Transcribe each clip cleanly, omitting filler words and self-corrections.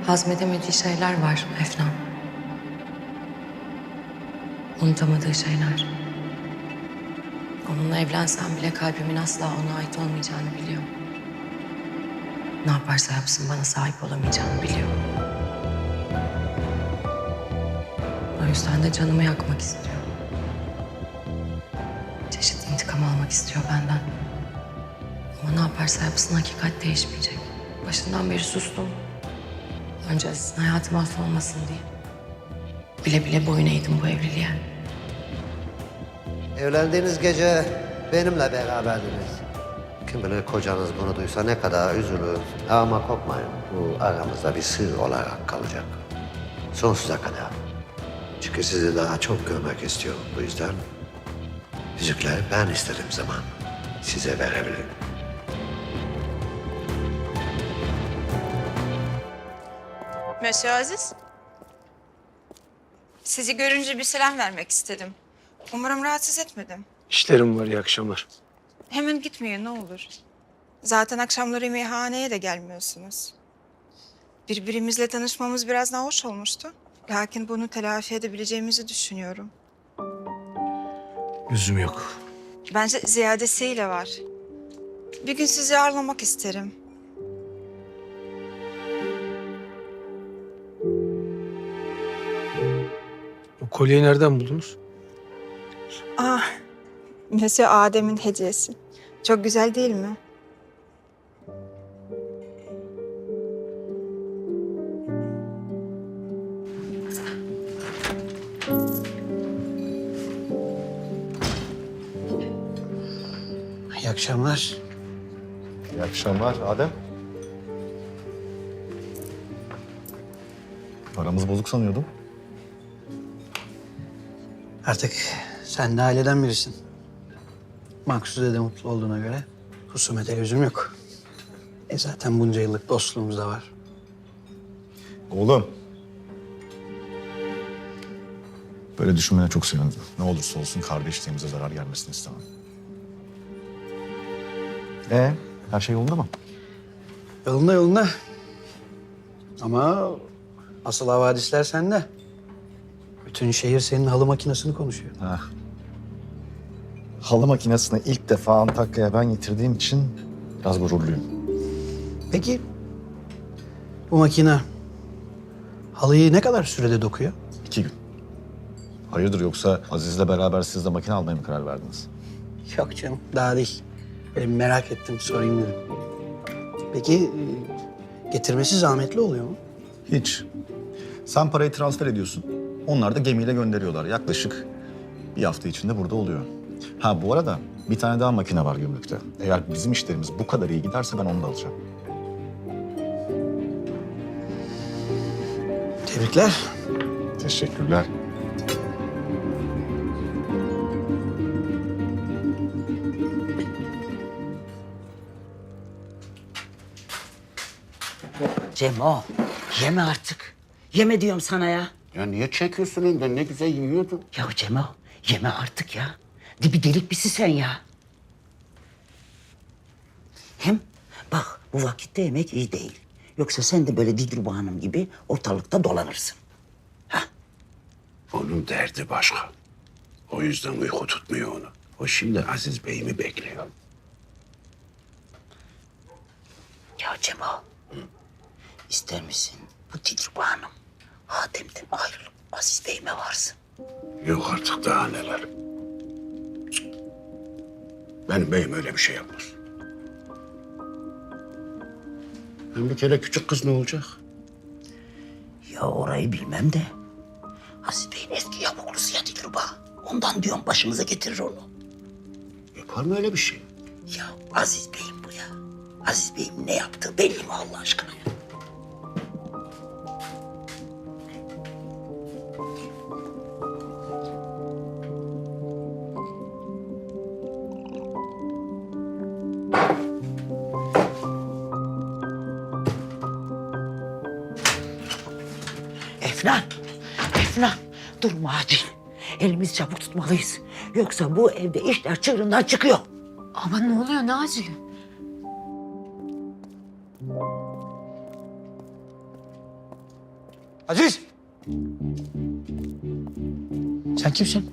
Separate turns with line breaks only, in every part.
hazmedemediği şeyler var Efnan. Unutamadığı şeyler. Onunla evlensem bile kalbimin asla ona ait olmayacağını biliyor. Ne yaparsa yapsın bana sahip olamayacağını biliyor. O yüzden de canımı yakmak istiyor. Çeşitli intikam almak istiyor benden. Ama ne yaparsa yapsın hakikat değişmeyecek. Başından beri sustum. Önce Aziz'in hayatı mahvolmasın diye. Bile bile boyun eğdim bu evliliğe.
Evlendiğiniz gece benimle beraberdiniz. Kim bilir kocanız bunu duysa ne kadar üzülür. Ama korkmayın, bu aramızda bir sır olarak kalacak. Sonsuza kadar. Çünkü sizi daha çok görmek istiyorum. Bu yüzden yüzükleri ben istediğim zaman size verebilirim.
Monsieur Aziz. Sizi görünce bir selam vermek istedim. Umarım rahatsız etmedim.
İşlerim var, iyi akşamlar.
Hemen gitmeyin ne olur. Zaten akşamları meyhaneye de gelmiyorsunuz. Birbirimizle tanışmamız biraz nahoş olmuştu. Lakin bunu telafi edebileceğimizi düşünüyorum.
Lüzum yok.
Bence ziyadesiyle var. Bir gün sizi ağırlamak isterim.
O kolyeyi nereden buldunuz?
Ah, Monsieur Adem'in hediyesi. Çok güzel değil mi?
İyi akşamlar.
İyi akşamlar Adem. Aramız bozuk sanıyordum.
Artık sen de aileden birisin. Maksude de mutlu olduğuna göre husumete lüzum yok. Zaten bunca yıllık dostluğumuz da var.
Oğlum. Böyle düşünmene çok sevindim. Ne olursa olsun kardeşliğimize zarar gelmesini istemem. Her şey yolunda mı?
Yolunda yolunda. Ama asıl havadisler sende. Bütün şehir senin halı makinesini konuşuyor.
Halı makinesini ilk defa Antakya'ya ben getirdiğim için biraz gururluyum.
Peki bu makine halıyı ne kadar sürede dokuyor?
2 gün. Hayırdır yoksa Aziz'le beraber siz de makine almaya mı karar verdiniz?
Yok canım, daha değil. Böyle merak ettim, sorayım dedim. Peki getirmesi zahmetli oluyor mu?
Hiç. Sen parayı transfer ediyorsun. Onlar da gemiyle gönderiyorlar. Yaklaşık bir hafta içinde burada oluyor. Ha bu arada bir tane daha makine var gümrükte. Eğer bizim işlerimiz bu kadar iyi giderse ben onu da alacağım.
Tebrikler.
Teşekkürler.
Cemo, yeme artık. Yeme diyorum sana ya.
Ya niye çekiyorsun elinden? Ne güzel yiyordun.
Ya Cemo, yeme artık ya. Dibi delik birisi sen ya. Hem bak bu vakitte yemek iyi değil. Yoksa sen de böyle Dilruba Hanım gibi ortalıkta dolanırsın.
Onun derdi başka. O yüzden uyku tutmuyor onu. O şimdi Aziz Bey'imi bekliyor.
Ya Cemo, ister misin bu Dilruba Hanım Adem'den ayrılıp Aziz Bey'ime varsın?
Yok artık daha neler. Cık. Benim beyim öyle bir şey yapmaz. Hem bir kere küçük kız ne olacak?
Ya orayı bilmem de Aziz Bey'in eski yavuklusu ya Dilruba. Ondan diyorum başımıza getirir onu.
Yapar mı öyle bir şey?
Ya Aziz Bey'im bu ya. Aziz Bey'im ne yaptığı belli mi Allah aşkına ya? Efnan, Efnan durma acil. Elimizi çabuk tutmalıyız. Yoksa bu evde işler çığırından çıkıyor.
Ama ne oluyor, ne acili?
Aziz! Sen kimsin?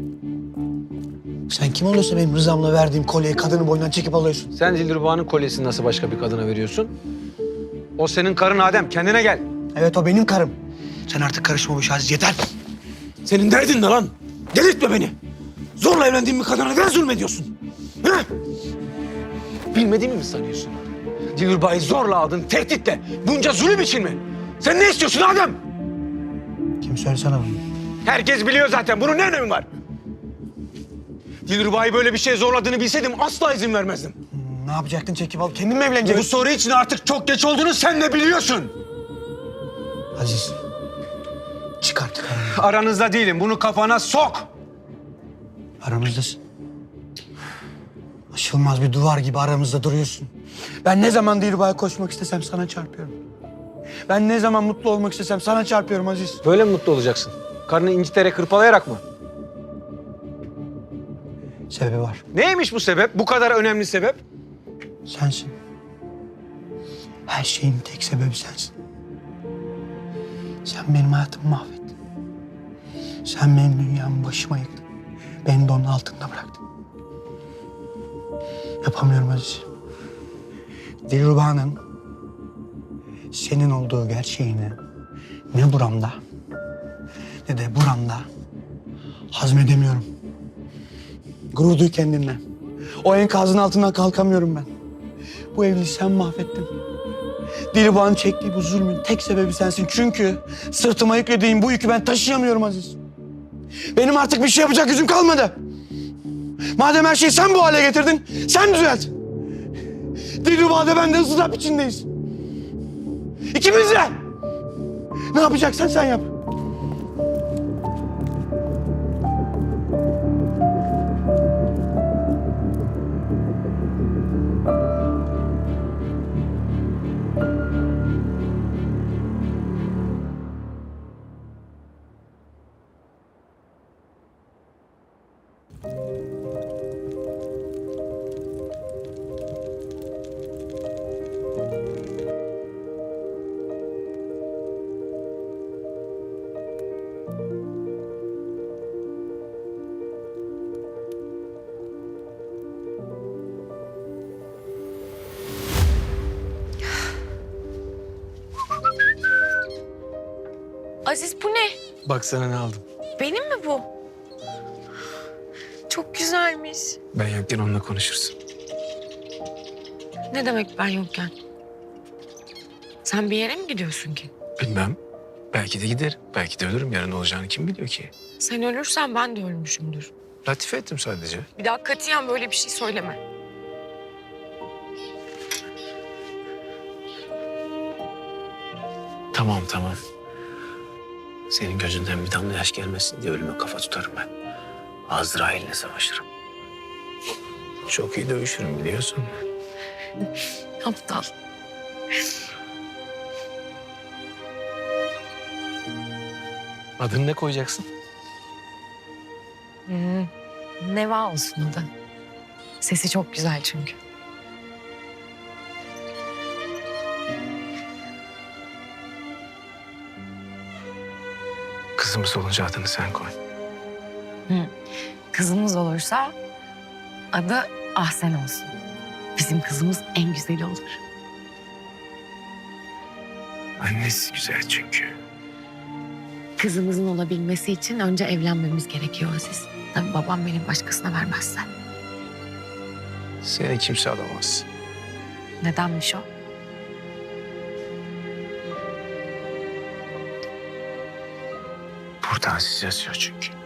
Sen kim oluyorsa benim rızamla verdiğim kolyeyi kadının boynundan çekip alıyorsun.
Sen Dilruba'nın kolyesini nasıl başka bir kadına veriyorsun? O senin karın Adem. Kendine gel.
Evet, o benim karım. Sen artık karışma bu işe Aziz, yeter.
Senin derdin ne lan? Delirtme beni. Zorla evlendiğin bir kadına neden zulmediyorsun? He? Bilmediğimi mi sanıyorsun? Dilruba'yı zorla aldın, tehditle. Bunca zulüm için mi? Sen ne istiyorsun Adem?
Kim söylesene bunu?
Herkes biliyor zaten. Bunun ne önemi var? Dilruba'yı böyle bir şeye zorladığını bilseydim asla izin vermezdim.
Ne yapacaktın, çekip alıp kendin mi
Bu
evlenecektin?
soru için artık çok geç olduğunu sen de biliyorsun.
Aziz, çık artık aramızda.
Aranızda değilim. Bunu kafana sok.
Aramızdasın. Aşılmaz bir duvar gibi aramızda duruyorsun. Ben ne zaman Dilruba'ya koşmak istesem sana çarpıyorum. Ben ne zaman mutlu olmak istesem sana çarpıyorum Aziz.
Böyle mi mutlu olacaksın? Karnını inciterek, hırpalayarak mı?
Sebebi var.
Neymiş bu sebep? Bu kadar önemli sebep?
Sensin. Her şeyin tek sebebi sensin. Sen benim hayatımı mahvettin. Sen benim dünyamı başıma yıktın. Beni de onun altında bıraktın. Yapamıyorum Aziz. Dilruba'nın senin olduğu gerçeğini ne buramda ne de buramda hazmedemiyorum. Gurur duy kendinle. O enkazın altından kalkamıyorum ben. Bu evliliği sen mahvettin. Dilruba'nın çektiği bu zulmün tek sebebi sensin. Çünkü sırtıma yüklediğin bu yükü ben taşıyamıyorum Aziz. Benim artık bir şey yapacak gücüm kalmadı. Madem her şeyi sen bu hale getirdin, sen düzelt. Dilruba'da ben de ızdırap içindeyiz. İkimiz de. Ne yapacaksan sen yap.
Aziz bu ne?
Bak sana ne aldım.
Benim mi bu? Çok güzelmiş.
Ben yokken onunla konuşursun.
Ne demek ben yokken? Sen bir yere mi gidiyorsun ki?
Bilmem. Belki de gider. Belki de ölürüm. Yarın olacağını kim biliyor ki?
Sen ölürsen ben de ölmüşümdür.
Latife ettim sadece.
Bir daha katiyen böyle bir şey söyleme.
Tamam tamam. Senin gözünden bir damla yaş gelmesin diye ölüme kafa tutarım ben. Azrail'le savaşırım. Çok iyi dövüşürüm biliyorsun.
Aptal.
Adını ne koyacaksın?
Neva olsun adı. Sesi çok güzel çünkü.
Kızımız olunca adını sen koy.
Kızımız olursa adı Ahsen olsun. Bizim kızımız en güzeli olur.
Annesi güzel çünkü.
Kızımızın olabilmesi için önce evlenmemiz gerekiyor Aziz. Tabii babam beni başkasına vermezse.
Seni kimse alamaz.
Nedenmiş o?
Burada Aziz yazıyor çünkü.